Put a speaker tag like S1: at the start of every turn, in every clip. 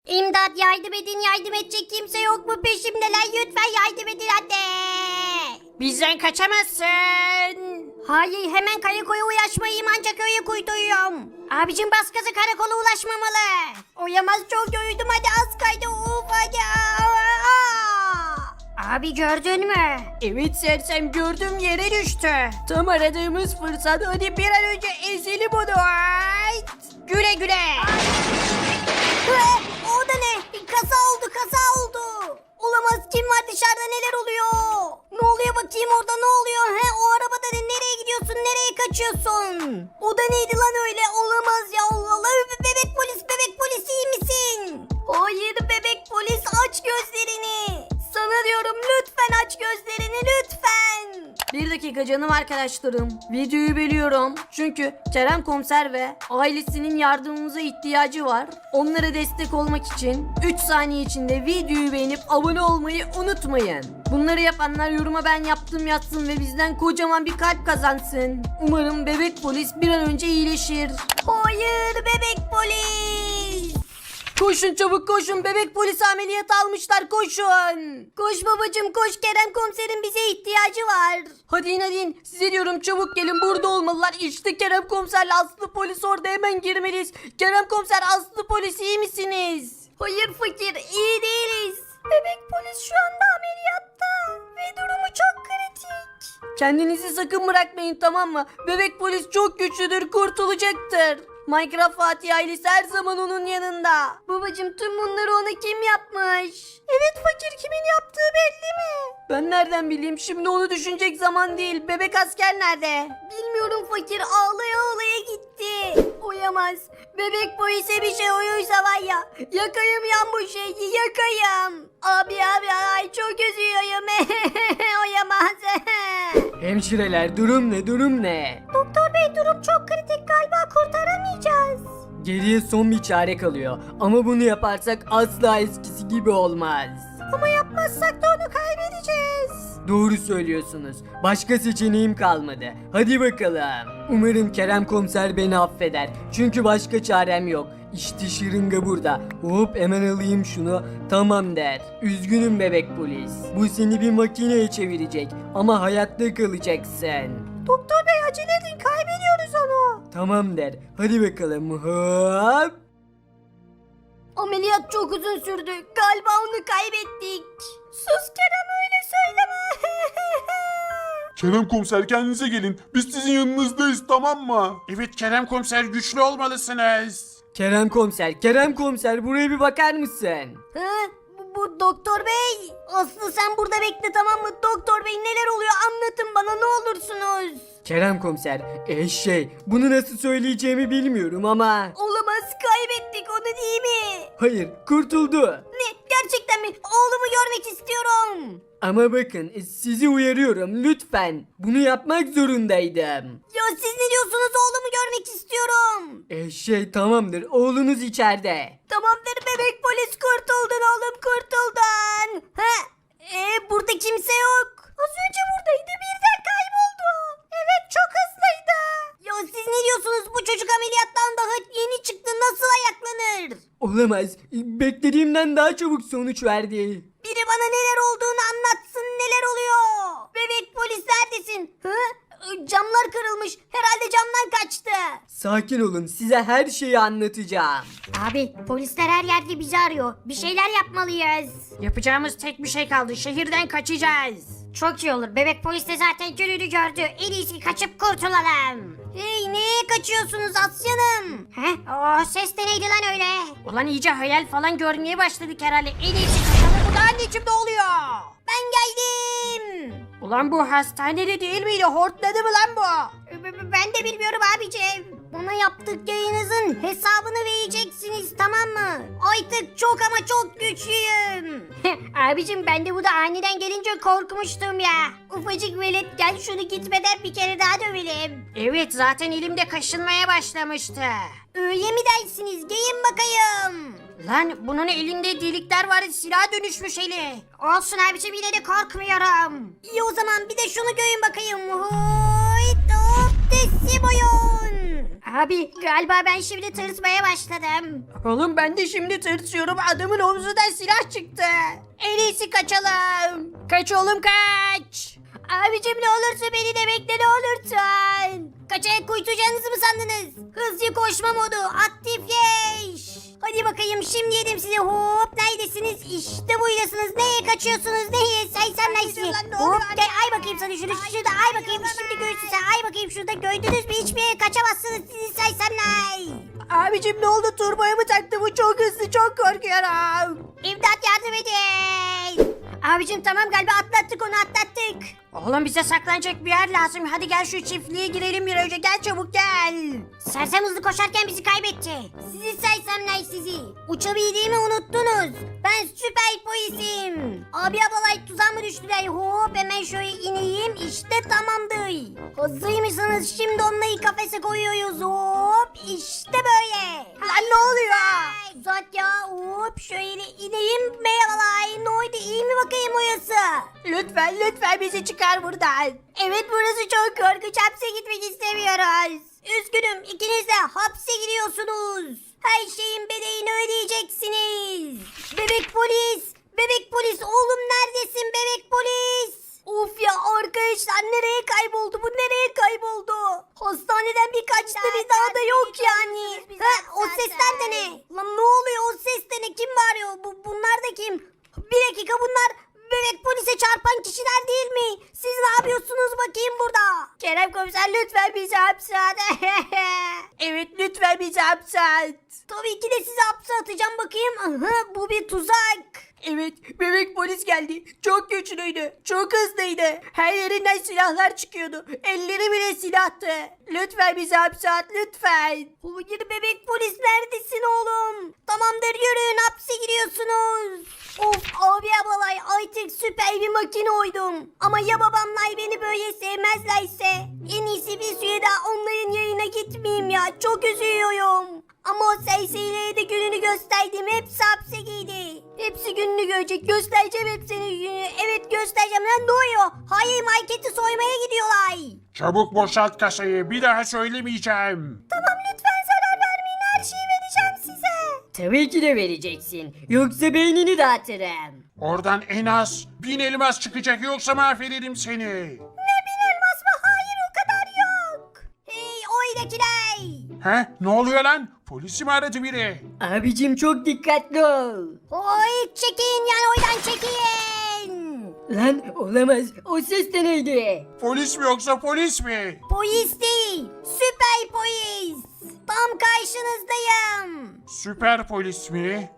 S1: İmdat, yardım edin, yardım edecek kimse yok mu peşimdeler, lütfen yardım edin anne.
S2: Bizden kaçamazsın.
S1: Hayır, hemen karakola ulaşmayayım, ancak öyle kurtuluyorum. Abicim bas gaza, karakola ulaşmamalı. Oyamaz, çok yoruldum, hadi az kaydı, hadi. Abi gördün mü?
S2: Evet sersem, gördüm, yere düştü. Tam aradığımız fırsat, hadi bir an önce ezelim onu. Ay! Güle güle.
S1: O da ne? Kaza oldu, kaza oldu. Olamaz, kim var dışarıda, neler oluyor? Ne oluyor bakayım, orada ne oluyor? O arabada ne? Nereye gidiyorsun, nereye kaçıyorsun? O da neydi lan öyle? Olamaz ya, Allah Allah. Bebek polis iyi misin? Hayır bebek polis, aç gözlerini. Sana diyorum, lütfen aç gözlerini, lütfen.
S2: Bir dakika canım arkadaşlarım. Videoyu bölüyorum. Çünkü Kerem Komiser ve ailesinin yardımımıza ihtiyacı var. Onlara destek olmak için 3 saniye içinde videoyu beğenip abone olmayı unutmayın. Bunları yapanlar yoruma ben yaptım yazsın ve bizden kocaman bir kalp kazansın. Umarım bebek polis bir an önce iyileşir.
S1: Hayır bebek polis.
S2: Koşun çabuk koşun, bebek polisi ameliyat almışlar, koşun.
S1: Koş babacım koş, Kerem komiserin bize ihtiyacı var.
S2: Hadi in size diyorum, çabuk gelin, burada olmalılar. İşte Kerem Komiserle Aslı polis orada, hemen girmeliyiz. Kerem Komiser, Aslı polis iyi misiniz?
S1: Hayır fakir, iyi değiliz. Bebek polis şu anda ameliyatta ve durumu çok kritik.
S2: Kendinizi sakın bırakmayın, tamam mı? Bebek polis çok güçlüdür, kurtulacaktır. Minecraft Fatih ailesi her zaman onun yanında.
S1: Babacım tüm bunları ona kim yapmış?
S2: Evet fakir, kimin yaptığı belli mi? Ben nereden bileyim, şimdi onu düşünecek zaman değil. Bebek asker nerede?
S1: Bilmiyorum fakir, ağlaya ağlaya gitti. Oyamaz. Bebek polise bir şey oluyorsa var ya, yakayım yan bu şeyi, yakayım. Abi ay çok üzüyorum. Oyamaz.
S2: Hemşireler, durum ne?
S1: Doktor bey, durum çok kritik, galiba kurtaramayacağız.
S2: Geriye son bir çare kalıyor. Ama bunu yaparsak asla eskisi gibi olmaz.
S1: Ama yapmazsak da onu kaybedeceğiz.
S2: Doğru söylüyorsunuz. Başka seçeneğim kalmadı. Hadi bakalım. Umarım Kerem Komiser beni affeder. Çünkü başka çarem yok. İşte şırınga burada. Hop, hemen alayım şunu. Tamam der. Üzgünüm bebek polis. Bu seni bir makineye çevirecek. Ama hayatta kalacaksın.
S1: Doktor bey acele edin, kaybediyoruz onu.
S2: Tamam der. Hadi bakalım. Hop.
S1: Ameliyat çok uzun sürdü. Galiba onu kaybettik. Sus Kerem, öyle söyleme.
S3: Kerem komiser, kendinize gelin. Biz sizin yanınızdayız, tamam mı?
S4: Evet Kerem komiser, güçlü olmalısınız.
S2: Kerem Komiser buraya bir bakar mısın?
S1: Bu doktor bey. Aslı sen burada bekle, tamam mı? Doktor bey, neler oluyor, anlatın bana ne olursunuz.
S2: Kerem Komiser, bunu nasıl söyleyeceğimi bilmiyorum ama...
S1: Olamaz, kaybettik onu değil mi?
S2: Hayır, kurtuldu.
S1: Ne, gerçekten mi? Oğlumu görmek istiyorum.
S2: Ama bakın, sizi uyarıyorum lütfen. Bunu yapmak zorundaydım.
S1: Ya siz ne diyorsunuz, oğlumu görmek istiyorum.
S2: Tamamdır, oğlunuz içeride.
S1: Tamamdır bebek polis, kurtuldun oğlum, kurtuldun. Burada kimse yok. Az önce buradaydı, birden kayboldu. Evet, çok hızlıydı. Ya siz ne diyorsunuz, bu çocuk ameliyattan daha yeni çıktı, nasıl ayaklanır?
S2: Olamaz, beklediğimden daha çabuk sonuç verdi.
S1: Biri bana neler olduğunu anlatsın, neler oluyor? Bebek polis neredesin? Camlar kırılmış, herhalde camdan kaçtı.
S2: Sakin olun, size her şeyi anlatacağım.
S1: Abi polisler her yerde bizi arıyor, bir şeyler yapmalıyız.
S2: Yapacağımız tek bir şey kaldı, şehirden kaçacağız.
S1: Çok iyi olur, bebek polis de zaten gününü gördü, en iyisi kaçıp kurtulalım. Hey, neye kaçıyorsunuz aslanım? O ses de neydi lan öyle?
S2: Ulan iyice hayal falan görmeye başladık herhalde, en iyisi kaçalım. Bu da anneciğim, ne oluyor?
S1: Ben geldim.
S2: Ulan bu hastanede değil miydi, hortladı mı lan bu?
S1: Ben de bilmiyorum abicim. Bana yaptıklarınızın hesabını vereceksiniz, tamam mı? Artık çok ama çok güçlüyüm. abicim ben de bu da aniden gelince korkmuştum ya. Ufacık velet, gel şunu gitmeden bir kere daha dövelim.
S2: Evet, zaten elimde kaşınmaya başlamıştı.
S1: Öyle mi dersiniz? Gelin bakayım.
S2: Lan bunun elinde delikler var, silaha dönüşmüş eli.
S1: Olsun abicim, yine de korkmuyorum. İyi o zaman bir de şunu görün bakayım. Hoyt hop teslim oyun. Abi galiba ben şimdi tırsmaya başladım.
S2: Oğlum ben de şimdi tırsıyorum. Adamın omzundan silah çıktı. En iyisi kaçalım. Kaç oğlum kaç.
S1: Abicim ne olursa beni de bekle ne olursun. Kaçarak kurtulacağınızı mı sandınız? Hızlı koşma modu aktifleş. Hadi bakayım şimdi yedim size hop neredesiniz? İşte buradasınız. Neye kaçıyorsunuz? Neye? Saysanlar sizi. Hop gel ay bakayım sana şunu şurada ay bakayım şimdi görürsün sen ay bakayım şurada gördünüz mü? Hiçbir yere kaçamazsınız sizi saysanlar.
S2: Abicim ne oldu, turboya mı taktı bu? Çok hızlı, çok korkuyorum.
S1: İmdat yardım edin. Abicim tamam galiba atlattık onu atlattık.
S2: Oğlum bize saklanacak bir yer lazım. Hadi gel şu çiftliğe girelim bir önce. Gel çabuk gel.
S1: Sersem hızlı koşarken bizi kaybetti. Sizi sersemler sizi. Uçabildiğimi unuttunuz. Ben süper polisim. Abi ablalay tuzağa mı düştüler? Hop hemen şöyle ineyim. İşte tamamdır. Hazır mısınız? Şimdi onları kafese koyuyoruz. Hop işte böyle.
S2: Lan ne oluyor?
S1: Uzat ya. Hop şöyle ineyim. Merhabalar. Ne oldu? İyi mi bakayım orası?
S2: Lütfen bizi çıkar buradan.
S1: Evet burası çok korkunç. Hapse gitmek istemiyoruz. Üzgünüm ikiniz de hapse gidiyorsunuz. Her şeyin bedelini ödeyeceksiniz. Bebek polis. Bebek polis. Oğlum neredesin bebek polis? Of ya arkadaşlar nereye kayboldu bu nereye kayboldu? Hastaneden bir kaçtı bir daha da yok yani. Ha, o sesler de ne? Lan ne oluyor o ses de ne? Kim bağırıyor? Bunlar da kim? Bir dakika bunlar bebek polise çarpan kişiler değil mi? Siz ne yapıyorsunuz bakayım burada? Kerem komiser lütfen bizi hapse at.
S2: Evet lütfen bizi hapse at.
S1: Tabii ki de sizi hapse atacağım bakayım. Aha, bu bir tuzak.
S2: Evet bebek polis geldi. Çok güçlüydü. Çok hızlıydı. Her yerinden silahlar çıkıyordu. Elleri bile silahtı. Lütfen bizi hapse at lütfen.
S1: Hayır bebek polis neredesin oğlum? Tamamdır yürüyün hapse giriyorsunuz. Of abi ablalay artık süper bir makine oydum. Ama ya babamlar beni böyle sevmezlerse? En iyisi bir süre daha onların yayına gitmeyeyim ya. Çok üzülüyorum. Ama o serserilere de gününü gösterdim. Hepsi hapse girdi. Hepsi gününü görecek. Göstereceğim hepsinin gününü. Evet göstereceğim. Lan ne oluyor? Hayır marketi soymaya gidiyorlar.
S4: Çabuk boşalt kasayı. Bir daha söylemeyeceğim.
S1: Tamam lütfen zarar vermeyin. Her şeyi vereceğim size.
S2: Tabii ki de vereceksin. Yoksa beynini dağıtırım.
S4: Oradan en az 1000 elmas çıkacak yoksa mahvederim seni.
S1: Ne bin elmas mı? Hayır o kadar yok. Hey oydakiler.
S4: He? Ne oluyor lan? Polisi mi aradı biri?
S2: Abicim çok dikkatli ol.
S1: Oy çekin yani oydan çekin.
S2: Lan olamaz. O ses de neydi?
S4: Polis mi yoksa polis mi?
S1: Polis değil. Süper polis. Tam karşınızdayım.
S4: Süper polis mi?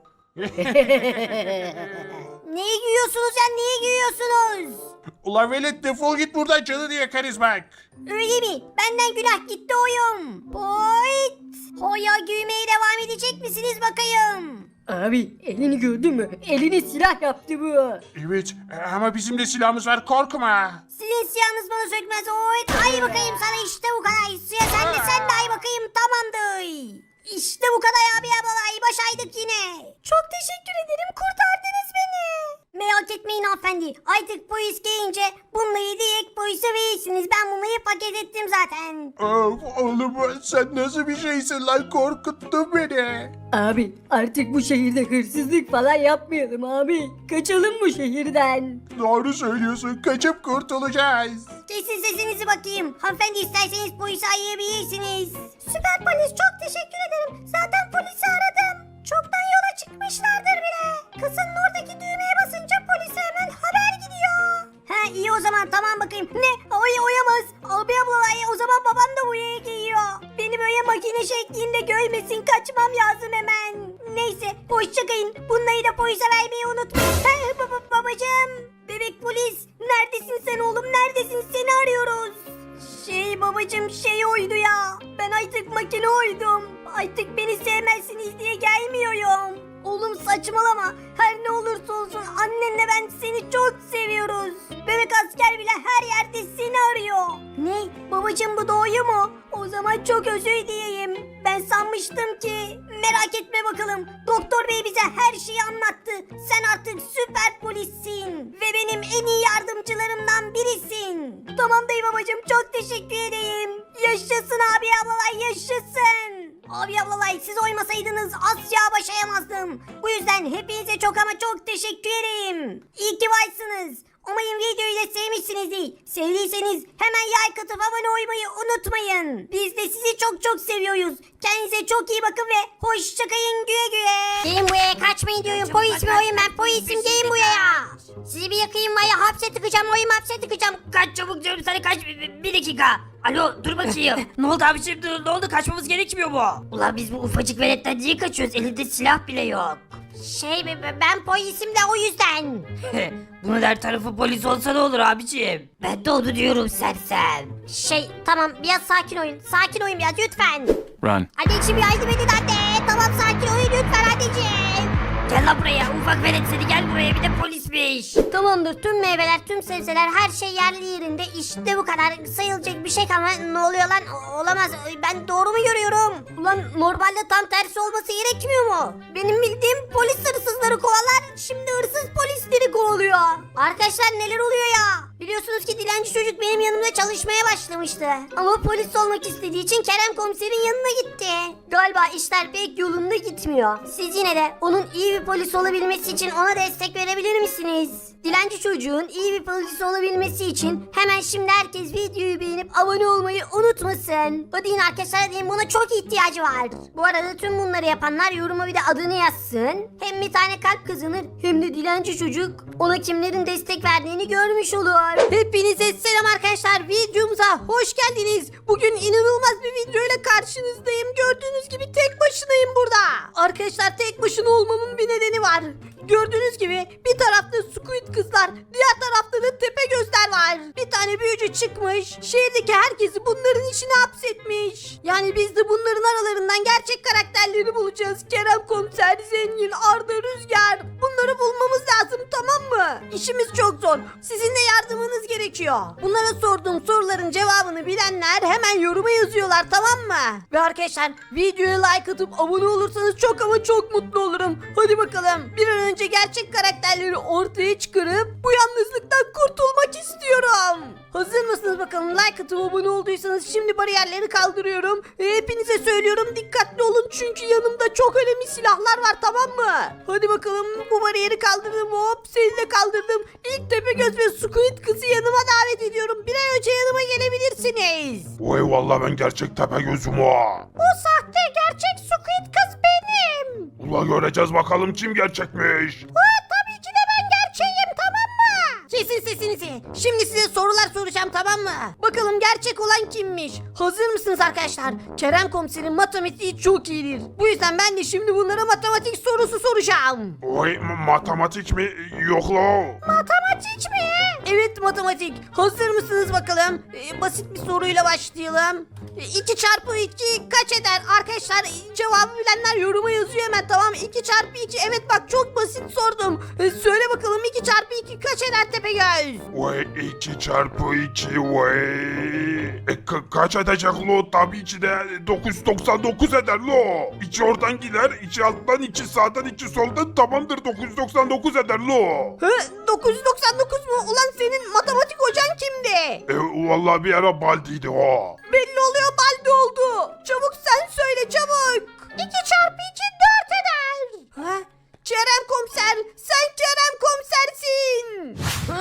S1: Neyi giyiyorsunuz ya niye giyiyorsunuz?
S4: Ulan velet defol git buradan canını yakarız bak.
S1: Öyle mi? Benden günah gitti oyum. Poit. Hoya giymeye devam edecek misiniz bakayım?
S2: Abi elini gördün mü? Elini silah yaptı bu.
S4: Evet ama bizim de silahımız var korkma.
S1: Sizin siyahınız bana sökmez. Oy, ay bakayım sana işte bu kadar. Suya sen de ay bakayım tamamdır. İşte bu kadar abi ablalay başardık yine. Çok teşekkür ederim kurtardınız beni. Merak etmeyin hanımefendi. Artık polis gelince bunları direkt polise verirsiniz. Ben bunları paket ettim zaten.
S3: Of oğlum sen nasıl bir şeysin lan korkuttun beni.
S2: Abi artık bu şehirde hırsızlık falan yapmayalım abi. Kaçalım bu şehirden.
S3: Doğru söylüyorsun kaçıp kurtulacağız.
S1: Kesin sesinizi bakayım. Hanımefendi isterseniz polisi arayabilirsiniz. Süper polis çok teşekkür ederim. Zaten polisi aradım. Çoktan yola çıkmışlardır bile. Kızın oradaki düğmeye basınca polise hemen haber gidiyor. He iyi o zaman tamam bakayım. Ne? Oyamaz. Abi ablalay o zaman babam da buraya geliyor. Beni böyle makine şeklinde görmesin. Kaçmam lazım hemen. Neyse hoşçakalın. Bunları da polise vermeyi unutmayın. He, babacığım. Bebek polis. Neredesin sen oğlum? Neredesin? Seni arıyoruz. Babacığım oydu ya. Ben artık makine oydum. Artık beni sevmezsiniz diye gelmiyorum. Oğlum saçmalama. Her ne olursa olsun annenle ben seni çok seviyoruz. Bebek asker bile her yerde seni arıyor. Ne? Babacığım bu doğru mu? O zaman çok özür dileyim. Ben sanmıştım ki. Merak etme bakalım. Doktor bey bize her şeyi anlattı. Sen artık süper polissin. Ve benim en iyi yardımcılarımdan birisin. Tamam dayı babacığım, çok teşekkür edeyim. Yaşasın abi ablalay, yaşasın. Abi ablalay, siz oymasaydınız asla başayamazdım. Bu yüzden hepinize çok ama çok teşekkür ederim. İyi ki varsınız. Umarım videoyu da sevmişsinizdir. Sevdiyseniz hemen like atıp abone olmayı unutmayın. Biz de sizi çok çok seviyoruz. Kendinize çok iyi bakın ve hoşçakalın, güle güle. Gelin buraya, kaçmayın diyorum. Polis mi oyun, ben polisim, gelin buraya. Sizi bir yakayım var ya, hapse tıkacağım, oyun hapse tıkacağım.
S2: Kaç çabuk diyorum sana, kaç. Bir dakika. Alo, dur bakayım. Ne oldu abiciğim, ne oldu, kaçmamız gerekmiyor mu?
S1: Ulan biz bu ufacık veletten niye kaçıyoruz? Elinde silah bile yok. Ben polisim de o yüzden.
S2: Bunun her tarafı polis olsa ne olur abiciğim?
S1: Ben de onu diyorum sersem. Tamam, biraz sakin oyun biraz lütfen.
S5: Run.
S1: Anneciğim yardım edin anne. Tamam, sakin oyun lütfen anneciğim.
S2: Gel lan buraya, ufak velet seni, gel buraya, bir de polismiş.
S1: Tamamdır, tüm meyveler, tüm sebzeler, her şey yerli yerinde. İşte bu kadar, sayılacak bir şey ama ne oluyor lan? Olamaz, ben doğru mu görüyorum? Ulan normalde tam tersi olması gerekmiyor mu? Benim bildiğim polis hırsızları kovalar, şimdi hırsız polisleri kovalıyor. Arkadaşlar neler oluyor ya? Biliyorsunuz ki dilenci çocuk benim yanımda çalışmaya başlamıştı. Ama polis olmak istediği için Kerem komiserin yanına gitti. Galiba işler pek yolunda gitmiyor. Siz yine de onun iyi bir polis olabilmesi için ona destek verebilir misiniz? Dilenci çocuğun iyi bir polis olabilmesi için hemen şimdi herkes videoyu beğenip abone olmayı unutmasın. Hadi yine arkadaşlar, diyeyim, buna çok ihtiyacı var. Bu arada tüm bunları yapanlar yoruma bir de adını yazsın. Hem bir tane kalp kazanır hem de dilenci çocuk ona kimlerin destek verdiğini görmüş olur. Hepinize selam arkadaşlar, videomuza hoş geldiniz. Bugün inanılmaz bir video ile karşınızdayım. Gördüğünüz gibi tek başınayım burada. Arkadaşlar tek başına olmamın bir nedeni var. Gördüğünüz gibi bir tarafta Squid kızlar, diğer tarafta da tepe gözler var. Bir tane büyücü çıkmış, şehirdeki herkesi bunların içine hapsetmiş. Yani biz de bunların aralarından gerçek karakterleri bulacağız. Kerem Komiser, Zengin, Arda, Rüzgar. Bunları bulmamız lazım, tamam mı? İşimiz çok zor. Sizin de yardımınız gerekiyor. Bunlara sorduğum soruların cevabını bilenler hemen yoruma yazıyorlar, tamam mı? Ve arkadaşlar videoya like atıp abone olursanız çok ama çok mutlu olurum. Hadi bakalım, bir an önce gerçek karakterleri ortaya çıkarıp bu yalnızlıktan kurtulmak istiyorum. Hazır mısınız bakalım? Like atıp abone olduysanız şimdi bariyerleri kaldırıyorum. Hepinize söylüyorum, dikkatli olun çünkü yanımda çok önemli silahlar var, tamam mı? Hadi bakalım, bu bariyeri kaldırdım, hop, seni de kaldırdım. İlk Tepegöz ve Squid kızı yanıma davet ediyorum. Bir an önce yanıma gelebilirsiniz.
S3: Vay vallahi ben gerçek Tepegöz'üm ha.
S1: O sahte, gerçek Squid kız benim.
S3: Ula göreceğiz bakalım kim gerçekmiş.
S1: Tabii ki de ben gerçeğim, tamam mı? Kesin sesinizi. Şimdi size sorular soracağım, tamam mı? Bakalım gerçek olan kimmiş? Hazır mısınız arkadaşlar? Kerem komiserin matematiği çok iyidir. Bu yüzden ben de şimdi bunlara matematik sorusu soracağım.
S3: Vay matematik mi? Yok la.
S1: Matematik mi? Evet, matematik. Hazır mısınız bakalım? Basit bir soruyla başlayalım. 2 çarpı 2 kaç eder? Arkadaşlar cevabı bilenler yoruma yazıyor hemen, tamam. 2 çarpı 2, evet bak çok basit sordum. Söyle bakalım 2 çarpı 2 kaç eder Tepegöz?
S3: Vay 2 çarpı 2 vay. Kaç edecek lo? Tabii ki de 999 eder lo. İçi oradan gider, içi alttan, içi sağdan, içi soldan, tamamdır 999 eder lo.
S1: 999 mu? Ulan senin matematik hocan kimdi?
S3: Vallahi bir ara baldiydi o.
S1: Belli oluyor, baldi oldu. Çabuk sen söyle, çabuk. 2 çarpı 2 4 eder. Ha? Kerem komiser, sen Kerem komisersin.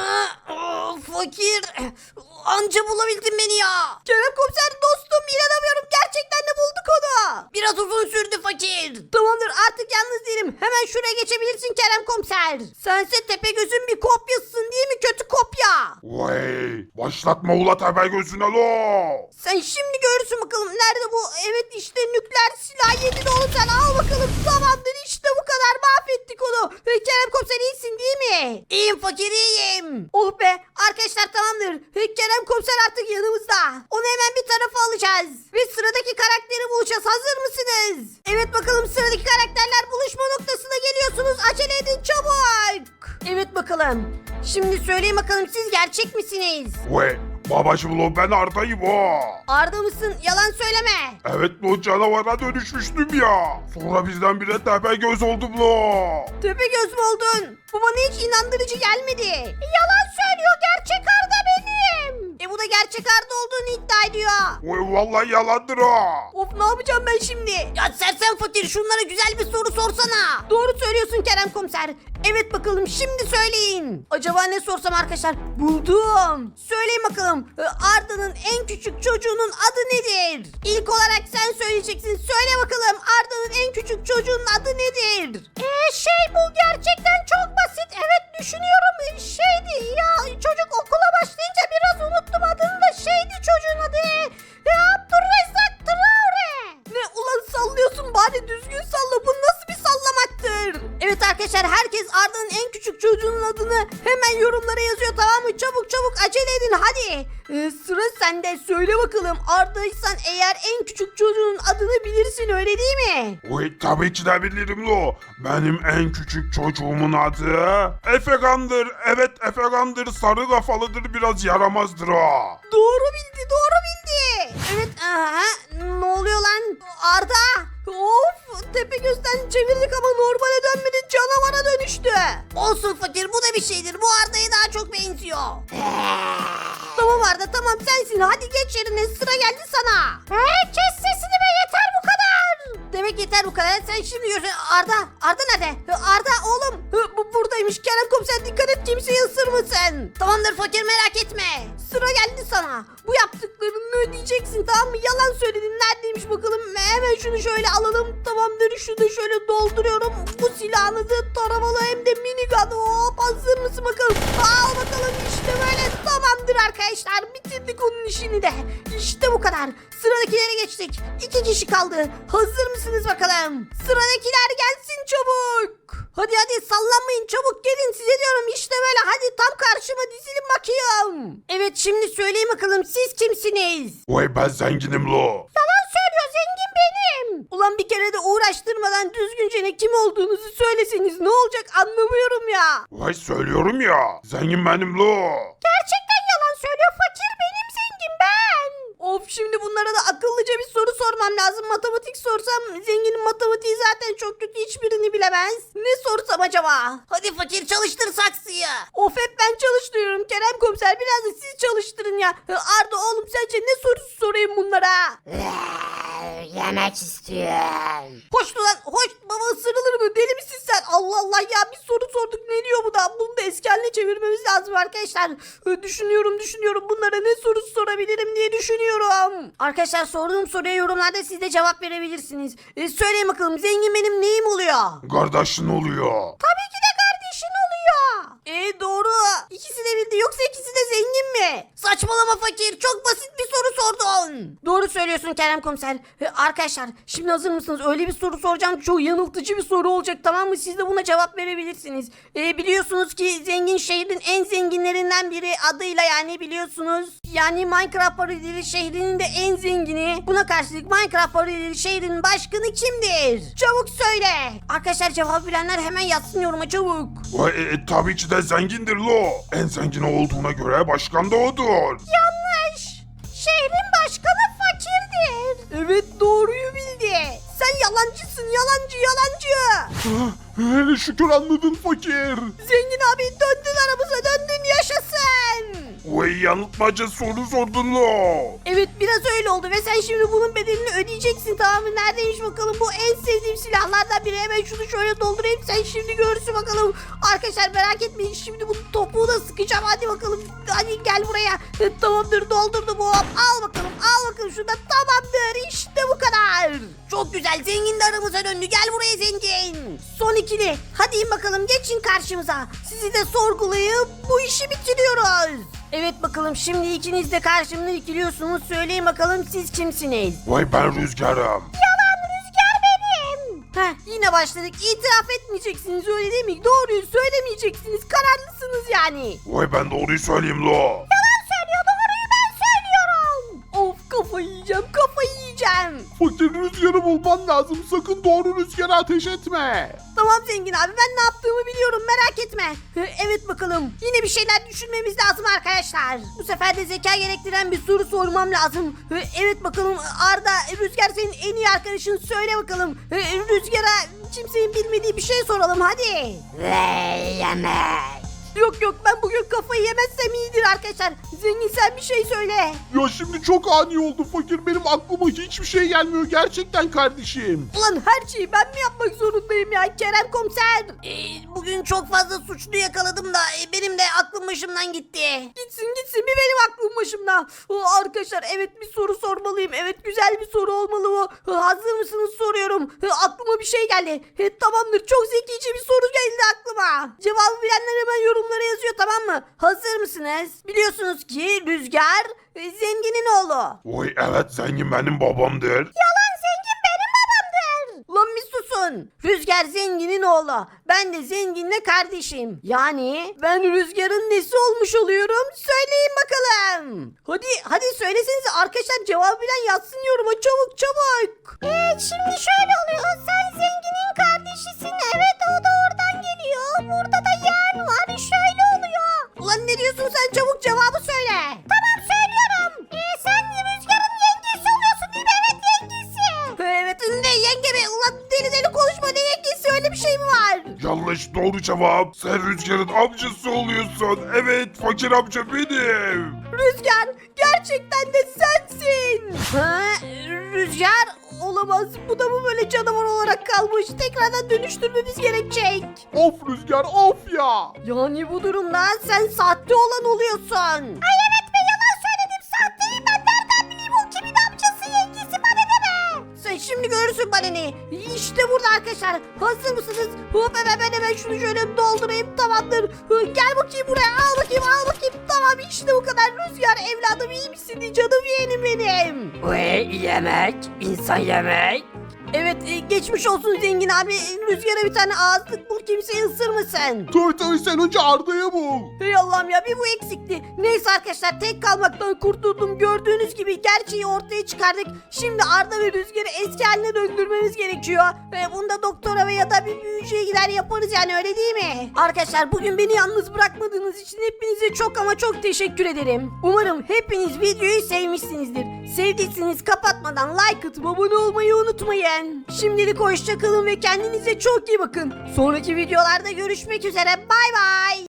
S1: Fakir, anca bulabildin beni ya. Kerem komiser dostum, inanamıyorum, gerçekten de bulduk onu. Biraz uzun sürdü fakir. Tamamdır, artık yalnız değilim. Hemen şuraya geçebilirsin Kerem komiser. Sense Tepegöz'ün bir kopyasısın değil mi, kötü kopya?
S3: Vay başlatma ula Tepegöz'üne lo.
S1: Sen şimdi görürsün bakalım. Nerede bu? Evet işte nükleer silah yedin oğlum sen. Al bakalım. Tamamdır, işte bu kadar. Mahvettik onu. Kerem komiser iyisin değil mi? İyiyim fakir, iyiyim. Oh be. Arkadaşlar tamamdır. Kerem komiser artık yanımızda. Onu hemen bir tarafa alacağız. Ve sıradaki karakteri bulacağız. Hazır mısınız? Evet bakalım, sıradaki karakterler buluşma noktasına geliyorsunuz. Acele edin çabuk. Evet bakalım. Şimdi söyleyin bakalım, siz gerçek misiniz?
S3: Vay Babacım lo ben Arda'yım o.
S2: Arda mısın? Yalan söyleme.
S3: Evet lo canavara dönüşmüştüm ya. Sonra bizden bire tepe göz oldum lo.
S2: Tepegöz mü oldun? Bu bana hiç inandırıcı gelmedi. Yalan söylüyor. Gerçek Arda benim. Bu da gerçek Arda olduğunu iddia ediyor.
S3: Oy vallahi yalandır o.
S2: Of ne yapacağım ben şimdi? Ya sersem fakir şunlara güzel bir soru sorsana. Doğru söylüyorsun Kerem komiser. Evet bakalım şimdi söyleyin. Acaba ne sorsam arkadaşlar? Buldum. Söyleyin bakalım. Arda'nın en küçük çocuğunun adı nedir? İlk olarak sen söyleyeceksin. Söyle bakalım Arda'nın en küçük çocuğunun adı nedir? Bu gerçekten çok basit. Evet düşünüyorum. Şeydi ya çocuk okula başlayınca biraz unuttum adını da çocuğun adı. Abdurrezzak Traore. Ne ulan sallıyorsun bari düzgün salla. Bu nasıl bir sallamaktır? Evet arkadaşlar herkes Arda'nın en küçük çocuğunun adını hemen yorumlara yazıyor tamam mı? Çabuk acele edin hadi. Sıra sende söyle bakalım Arda'ysan eğer en küçük çocuğun adını bilirsin öyle değil mi?
S3: Oy tabii ki de bilirim lo. Benim en küçük çocuğumun adı Efegan'dır. Evet Efegan'dır. Sarı kafalıdır biraz yaramazdır o.
S2: Doğru bildi. Evet ne oluyor lan Arda? Of Tepegöz'den çevirdik ama normale dönmedi canavara dönüştü. Olsun fakir bu da bir şeydir bu Arda'ya daha çok benziyor. Tamam Arda tamam sensin hadi geç yerine sıra geldi sana. Kes sesini be yeter bu kadar. Demek yeter bu kadar sen şimdi görürsün. Arda nerede? Arda oğlum buradaymış Kerem komiser dikkat et kimseyi ısırmasın. Tamamdır fakir merak etme. Sıra geldi sana. Bu yaptıklarını ödeyeceksin tamam mı? Yalan söyledin neredeymiş bakalım. Hemen şunu şöyle alalım. Tamamdır şunu da şöyle dolduruyorum. Bu silahını da taramalı hem de minigun. Hop hazır mısın bakalım? Al bakalım işte böyle tamamdır arkadaşlar. Bitirdik onun işini de. İşte bu kadar. Sıradakilere geçtik. 2 kişi kaldı. Hazır mısınız bakalım? Sıradakiler gelsin çabuk. Hadi sallanmayın çabuk gelin size diyorum işte böyle hadi tam karşıma dizilin bakayım. Evet şimdi söyleyin bakalım siz kimsiniz?
S3: Oy ben zenginim lo.
S2: Yalan söylüyor zengin benim. Ulan bir kere de uğraştırmadan düzgünce ne kim olduğunuzu söyleseniz ne olacak anlamıyorum ya.
S3: Vay söylüyorum ya. Zengin benim lo.
S2: Gerçekten yalan söylüyor fakir benim zengin ben. Of şimdi bunlara da akıllıca bir soru sormam lazım. Matematik sorsam zenginin matematiği zaten çok kötü hiçbirini bilemez. Ne sorsam acaba? Hadi fakir çalıştır saksıyı. Of hep ben çalıştırıyorum Kerem komiser biraz da siz çalıştırın ya. Arda oğlum sence ne sorusu sorayım bunlara?
S1: Yemek istiyorum.
S2: Hoş lan hoş baba ısırılır mı deli misin sen? Allah Allah ya bir soru sorduk ne diyor bu da? Bunu da eski haline çevirmemiz lazım arkadaşlar. Düşünüyorum bunlara ne sorusu sorabilirim diye düşünüyorum. Arkadaşlar sorduğum soruya yorumlarda siz de cevap verebilirsiniz. Söyleyin bakalım zengin benim neyim oluyor?
S3: Kardeşin oluyor.
S2: Tabii ki de kardeşin oluyor. Doğru. İkisi de bildi yoksa ikisi de zengin mi? Saçmalama fakir çok basit bir soru sordun. Doğru söylüyorsun Kerem komiser. Arkadaşlar şimdi hazır mısınız? Öyle bir soru soracağım çok yanıltıcı bir soru olacak tamam mı? Siz de buna cevap verebilirsiniz. Biliyorsunuz ki zengin şehrin en zenginlerinden biri adıyla yani biliyorsunuz. Yani Minecraft parodileri şehrinin de en zengini. Buna karşılık Minecraft parodileri şehrinin başkanı kimdir? Çabuk söyle. Arkadaşlar cevap bilenler hemen yazsın yoruma çabuk.
S3: Vay tabii ki de zengindir lo. En zengin olduğuna göre başkan da odur.
S2: Yanlış. Şehrin başkanı fakirdir. Evet doğruyu bildi. Sen yalancısın yalancı.
S3: Hele şükür anladın fakir.
S2: Zengin abi döndün aramıza döndün yaşasın.
S3: Vay yanıltmaca soru sordun lo.
S2: Evet biraz öyle oldu ve sen şimdi bunun bedelini ödeyeceksin tamam mı? Neredeymiş bakalım bu en sevdiğim silahlardan biri. Hemen şunu şöyle doldurayım sen şimdi görürsün bakalım. Arkadaşlar merak etmeyin şimdi bunun topuğu da sıkacağım hadi bakalım. Hadi gel buraya. Tamamdır doldurdum hop. Al bakalım şurada tamamdır işte bu kadar. Çok güzel zengin de aramıza döndü gel buraya zengin. Son ikili hadi in bakalım geçin karşımıza. Sizi de sorgulayıp bu işi bitiriyoruz. Evet bakalım şimdi ikiniz de karşımda ikiliyorsunuz. Söyleyin bakalım siz kimsiniz?
S3: Vay ben Rüzgar'ım.
S2: Yalan Rüzgar benim. Yine başladık. İtiraf etmeyeceksiniz öyle değil mi? Doğruyu söylemeyeceksiniz. Kararlısınız yani.
S3: Vay ben doğruyu söyleyeyim lo.
S2: Yalan söylüyor doğruyu ben söylüyorum. Of kafayı yiyeceğim.
S5: Fakir Rüzgar'ı bulman lazım. Sakın doğru Rüzgar'a ateş etme.
S2: Tamam zengin abi, ben ne yaptığımı biliyorum, merak etme. Evet bakalım, yine bir şeyler düşünmemiz lazım arkadaşlar. Bu sefer de zeka gerektiren bir soru sormam lazım. Evet bakalım Arda, Rüzgar senin en iyi arkadaşın, söyle bakalım. Rüzgar'a kimsenin bilmediği bir şey soralım hadi.
S1: Yemek.
S2: Yok ben bugün kafayı yemezsem iyidir arkadaşlar. Zengin sen bir şey söyle.
S5: Ya şimdi çok ani oldu fakir. Benim aklıma hiçbir şey gelmiyor gerçekten kardeşim.
S2: Ulan her şeyi ben mi yapmak zorundayım ya Kerem komiser?
S1: Bugün çok fazla suçlu yakaladım da benim de aklım başımdan gitti.
S2: Gitsin bir benim aklım başımda. Arkadaşlar evet, bir soru sormalıyım. Evet, güzel bir soru olmalı bu. Hazır mısınız soruyorum. Aklıma bir şey geldi. Tamamdır, çok zekice bir soru geldi aklıma. Cevabı bilenler hemen yorumlara yazıyor, tamam mı? Hazır mısınız? Biliyorsunuz ki Rüzgar zenginin oğlu.
S3: Vay evet zengin benim babamdır.
S2: Yalan, zengin benim babamdır. Lan bir susun. Rüzgar zenginin oğlu. Ben de zenginle kardeşim. Yani ben Rüzgar'ın nesi olmuş oluyorum? Söyleyin bakalım. Hadi söylesenize arkadaşlar, cevabı bilen yazsın yoruma, çabuk.
S1: Şimdi şöyle oluyor. Sen zenginin kardeşisin. Evet, o da oradan geliyor. Burada da yeğen var. Şöyle oluyor.
S2: Ulan ne diyorsun sen, çabuk cevabı söyle.
S1: Tamam söylüyorum. Sen Rüzgar'ın yengesi oluyorsun değil mi? Evet, yengesi.
S2: Evet, ne yenge be, ulan deli konuşma, ne yengesi, öyle bir şey mi var?
S3: Yanlış, doğru cevap. Sen Rüzgar'ın amcası oluyorsun. Evet fakir amca benim.
S2: Rüzgar, gerçekten de sensin. Rüzgar olamaz, bu da mı böyle canavar olarak kalmış, tekrardan dönüştürmemiz gerekecek.
S5: Of Rüzgar of ya.
S2: Yani bu durumda sen sahte olan oluyorsun.
S1: Ay evet be, yalan söyledim. Sahteyim ben. Nereden bileyim o kimin amcası, yengesi, bana deme.
S2: Sen şimdi görürsün bana ne. İşte burada arkadaşlar. Hazır mısınız? Hop, hemen şunu şöyle doldurayım, tamamdır. Gel bakayım buraya, al bakayım. Tamam, işte bu kadar. Rüzgar evladım, iyi misin? Canım yeğenim benim.
S1: Yemek. İnsan yemek.
S2: Evet, geçmiş olsun zengin abi. Rüzgar'a bir tane ağızlık bul, kimseyi ısırmasın.
S5: Tabii sen önce Arda'yı bul.
S2: Hey Allah'ım ya, bir bu eksikti. Neyse arkadaşlar, tek kalmaktan kurtuldum. Gördüğünüz gibi gerçeği ortaya çıkardık. Şimdi Arda ve Rüzgar'ı eski haline döndürmemiz gerekiyor. Ve bunu da doktora ve ya da bir büyücüye gider yaparız yani, öyle değil mi? Arkadaşlar bugün beni yalnız bırakmadığınız için hepinize çok ama çok teşekkür ederim. Umarım hepiniz videoyu sevmişsinizdir. Sevdiyseniz kapatmadan like atıp abone olmayı unutmayın. Şimdilik hoşça kalın ve kendinize çok iyi bakın. Sonraki videolarda görüşmek üzere. Bay bay.